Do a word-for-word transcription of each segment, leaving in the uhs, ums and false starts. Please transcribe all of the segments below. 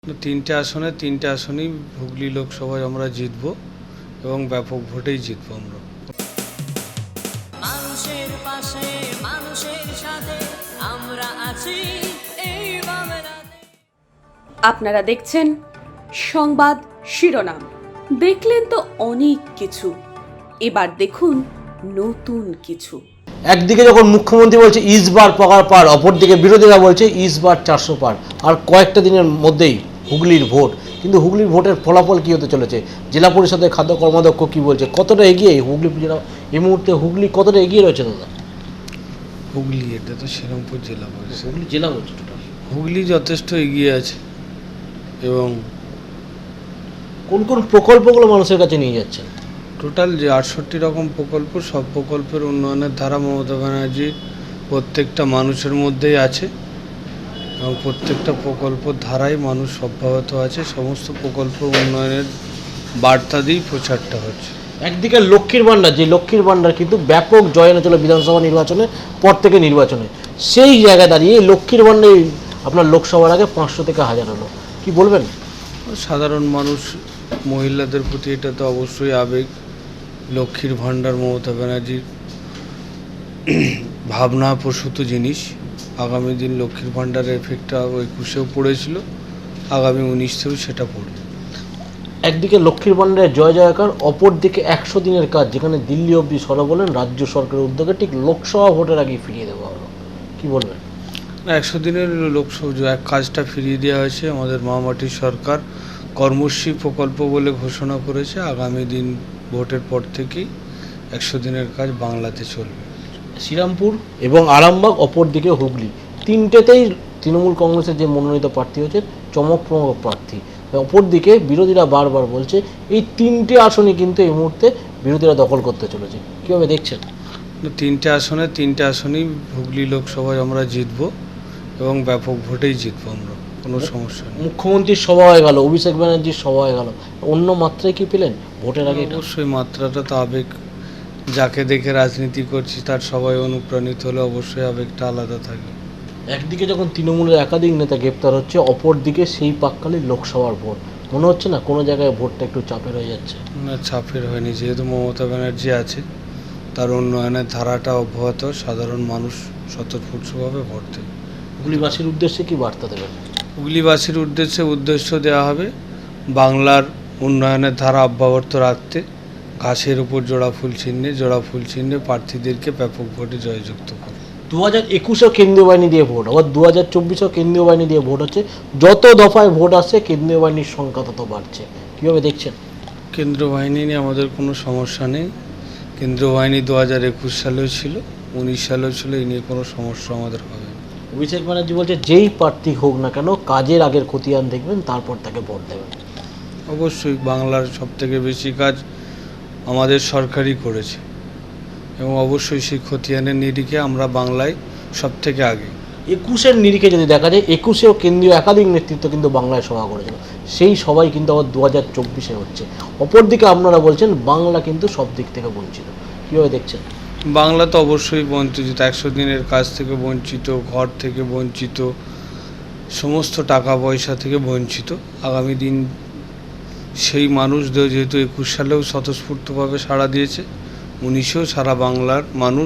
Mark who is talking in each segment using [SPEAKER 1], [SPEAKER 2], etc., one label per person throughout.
[SPEAKER 1] তিনটে আসনে তিনটে আসনেই হুগলি লোকসভায় আমরা জিতব এবং ব্যাপক ভোটেই জিতব আমরা।
[SPEAKER 2] মানুষের পাশে মানুষের সাথে আমরা আছি এই বাংলাতে।
[SPEAKER 3] আপনারা দেখছেন সংবাদ শিরোনাম। দেখলেন তো অনেক কিছু, এবার দেখুন নতুন কিছু।
[SPEAKER 4] একদিকে যখন মুখ্যমন্ত্রী বলছে ইসবার পাকার পার, অপরদিকে বিরোধীরা বলছে ইসবার চারশো পার। আর কয়েকটা দিনের মধ্যেই হুগলির ভোট, কিন্তু হুগলির ভোটের ফলাফল কী হতে চলেছে? জেলা পরিষদের খাদ্য কর্মাধ্যক্ষ কী বলছে? কতটা এগিয়ে হুগলি জেলা এই মুহূর্তে? হুগলি কতটা এগিয়ে রয়েছে দাদা?
[SPEAKER 1] হুগলি, এটা তো শ্রীরামপুর জেলা পরিষদ।
[SPEAKER 4] হুগলি জেলা বলছে টোটাল।
[SPEAKER 1] হুগলি যথেষ্ট এগিয়ে আছে এবং
[SPEAKER 4] কোন কোন প্রকল্পগুলো মানুষের কাছে নিয়ে যাচ্ছেন?
[SPEAKER 1] টোটাল যে আটষট্টি রকম প্রকল্প, সব প্রকল্পের উন্নয়নের ধারা মমতা ব্যানার্জির প্রত্যেকটা মানুষের মধ্যেই আছে এবং প্রত্যেকটা প্রকল্পর ধারায় মানুষ অব্যাহত আছে। সমস্ত প্রকল্প উন্নয়নের বার্তা দিয়েই প্রচারটা হচ্ছে।
[SPEAKER 4] একদিকে লক্ষ্মীর ভাণ্ডার, যে লক্ষ্মীর ভাণ্ডার কিন্তু ব্যাপক জয় এনেছিল বিধানসভা নির্বাচনে পর থেকে নির্বাচনে, সেই জায়গায় দাঁড়িয়ে লক্ষ্মীর ভাণ্ডার আপনার লোকসভার আগে পাঁচশো থেকে হাজার হলো, কি বলবেন?
[SPEAKER 1] সাধারণ মানুষ, মহিলাদের প্রতি এটা তো অবশ্যই আবেগ। লক্ষ্মীর ভাণ্ডার মমতা ব্যানার্জির ভাবনা প্রসূত জিনিস। আগামী দিন লক্ষ্মীর ভাণ্ডারের এফেক্টটা একুশেও পড়েছিল, আগামী উনিশতেও সেটা পড়বে।
[SPEAKER 4] একদিকে লক্ষ্মীর ভাণ্ডারের জয় জয়কার, অপর দিকে একশো দিনের কাজ, যেখানে দিল্লি অবধি সরা বলেন রাজ্য সরকারের উদ্যোগে ঠিক লোকসভা ভোটের আগেই ফিরিয়ে দেওয়া হলো, কি বলবেন?
[SPEAKER 1] একশো দিনের লোকসভা এক কাজটা ফিরিয়ে দেওয়া হয়েছে। আমাদের মহামাটির সরকার কর্মশ্রী প্রকল্প বলে ঘোষণা করেছে। আগামী দিন ভোটের পর থেকেই একশো দিনের কাজ বাংলাতে চলবে।
[SPEAKER 4] শ্রীরামপুর এবং আরামবাগ, অপর দিকে হুগলি, তিনটেতেই তৃণমূল কংগ্রেসের যে মনোনীত প্রার্থী হচ্ছে চমকপ্রদ প্রার্থী। অপরদিকে বিরোধীরা বারবার বলছে এই তিনটে আসনই কিন্তু এই মুহূর্তে বিরোধীরা দখল করতে চলেছে, কীভাবে দেখছেন?
[SPEAKER 1] তিনটে আসনে তিনটে আসনেই হুগলি লোকসভায় আমরা জিতব এবং ব্যাপক ভোটেই জিতব আমরা, কোনো সমস্যা নেই।
[SPEAKER 4] মুখ্যমন্ত্রীর সভা হয়ে গেল, অভিষেক ব্যানার্জির সভা হয়ে গেল, অন্য মাত্রায় কি পেলেন ভোটের আগে?
[SPEAKER 1] অবশ্যই মাত্রাটা তো আবেগ। যাকে দেখে রাজনীতি করছি তার সবাই অনুপ্রাণিত হলে অবশ্যই আবেগটা আলাদা থাকে।
[SPEAKER 4] একদিকে যখন তৃণমূলের একাধিক নেতা গ্রেপ্তার হচ্ছে, অপর দিকে সেই পাককালে লোকসভার ভোট, মনে হচ্ছে না কোনো জায়গায় ভোটটা একটু চাপের হয়ে যাচ্ছে?
[SPEAKER 1] না, চাপের হয়নি, যেহেতু মমতা ব্যানার্জি আছে, তার উন্নয়নের ধারাটা অব্যাহত। সাধারণ মানুষ স্বতঃস্ফূর্তভাবে ভোট দেবে।
[SPEAKER 4] হুগলিবাসীর উদ্দেশ্যে কি বার্তা দেবেন?
[SPEAKER 1] হুগলিবাসীর উদ্দেশ্যে উদ্দেশ্য দেওয়া হবে বাংলার উন্নয়নের ধারা অব্যাহত রাখতে, ঘাসের উপর জোড়া ফুল চিহ্নে জোড়া ফুল চিহ্নে প্রার্থীদেরকে ব্যাপক ভোটে জয়যুক্ত করে।
[SPEAKER 4] দু হাজার একুশেও কেন্দ্রীয় বাহিনী দিয়ে ভোট, আবার দু হাজার চব্বিশেও কেন্দ্রীয় বাহিনী দিয়ে ভোট হচ্ছে। যত দফায় ভোট আসছে কেন্দ্রীয় বাহিনীর সংখ্যা তত বাড়ছে, কীভাবে দেখছেন?
[SPEAKER 1] কেন্দ্র বাহিনী নিয়ে আমাদের কোনো সমস্যা নেই। কেন্দ্রীয় বাহিনী দু হাজার একুশ সালেও ছিল, উনিশ সালেও ছিল, এই নিয়ে কোনো সমস্যা আমাদের হবে না।
[SPEAKER 4] অভিষেক ব্যানার্জি বলছে যেই প্রার্থী হোক না কেন কাজের আগের খতিয়ান দেখবেন, তারপর তাকে ভোট দেবেন।
[SPEAKER 1] অবশ্যই বাংলার সবথেকে বেশি কাজ আমাদের সরকারই করেছে এবং অবশ্যই সেই খতিয়ানের নিরিখে আমরা বাংলায় সব থেকে আগে।
[SPEAKER 4] একুশের নিরিখে যদি দেখা যায়, একুশেও কেন্দ্রীয় একাধিক নেতৃত্ব কিন্তু বাংলায় সভা করেছিল, সেই সবাই কিন্তু আবার দু হাজার চব্বিশে হচ্ছে। অপরদিকে আপনারা বলছেন বাংলা কিন্তু সব দিক থেকে বঞ্চিত, কীভাবে দেখছেন?
[SPEAKER 1] বাংলা তো অবশ্যই বঞ্চিত, একশো দিনের কাজ থেকে বঞ্চিত, ঘর থেকে বঞ্চিত, সমস্ত টাকা পয়সা থেকে বঞ্চিত। আগামী দিন সেই মানুষদের যেহেতু একুশ সালেও স্বতঃস্ফূর্তভাবে সাড়া দিয়েছে, উনিশেও সারা বাংলার মানুষ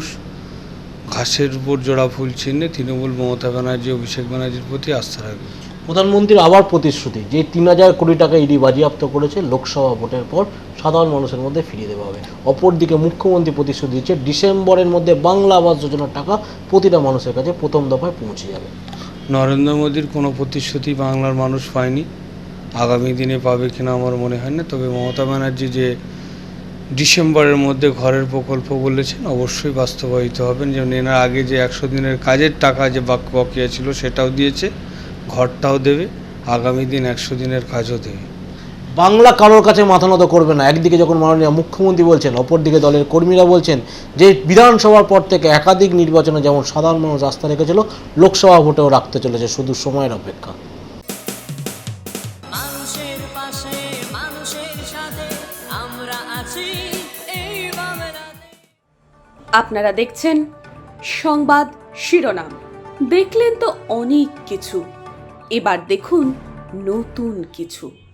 [SPEAKER 1] ঘাসের উপর জোড়া ফুল চিহ্নে তৃণমূল মমতা ব্যানার্জি, অভিষেক ব্যানার্জির প্রতি আস্থা রাখবে।
[SPEAKER 4] প্রধানমন্ত্রীর আবার প্রতিশ্রুতি যে তিন হাজার কোটি টাকা ইডি বাজেয়াপ্ত করেছে, লোকসভা ভোটের পর সাধারণ মানুষের মধ্যে ফিরিয়ে দেওয়া হবে। অপরদিকে মুখ্যমন্ত্রী প্রতিশ্রুতি দিচ্ছে ডিসেম্বরের মধ্যে বাংলা আবাস যোজনার টাকা প্রতিটা মানুষের কাছে প্রথম দফায় পৌঁছে যাবে।
[SPEAKER 1] নরেন্দ্র মোদীর কোনো প্রতিশ্রুতি বাংলার মানুষ পায়নি, আগামী দিনে পাবে কিনা আমার মনে হয় না। তবে মমতা ব্যানার্জি যে ডিসেম্বরের মধ্যে ঘরের প্রকল্প বলেছেন, অবশ্যই বাস্তবায়িত হবেন। যেমন এর আগে যে একশো দিনের কাজের টাকা যে বাকি বকেয়া ছিল সেটাও দিয়েছে, ঘরটাও দেবে, আগামী দিন একশো দিনের কাজও দেবে।
[SPEAKER 4] বাংলা কারোর কাছে মাথা নত করবে না, একদিকে যখন মাননীয় মুখ্যমন্ত্রী বলছেন, অপরদিকে দলের কর্মীরা বলছেন যে বিধানসভার পর থেকে একাধিক নির্বাচনে যেমন সাধারণ মানুষ আস্থা রেখেছিল, লোকসভা ভোটেও রাখতে চলেছে, শুধু সময়ের অপেক্ষা।
[SPEAKER 2] মানুষের পাশে মানুষের সাথে আমরা আছি এই বাংলাতে।
[SPEAKER 3] আপনারা দেখছেন সংবাদ শিরোনাম। দেখলেন তো অনেক কিছু, এবার দেখুন নতুন কিছু।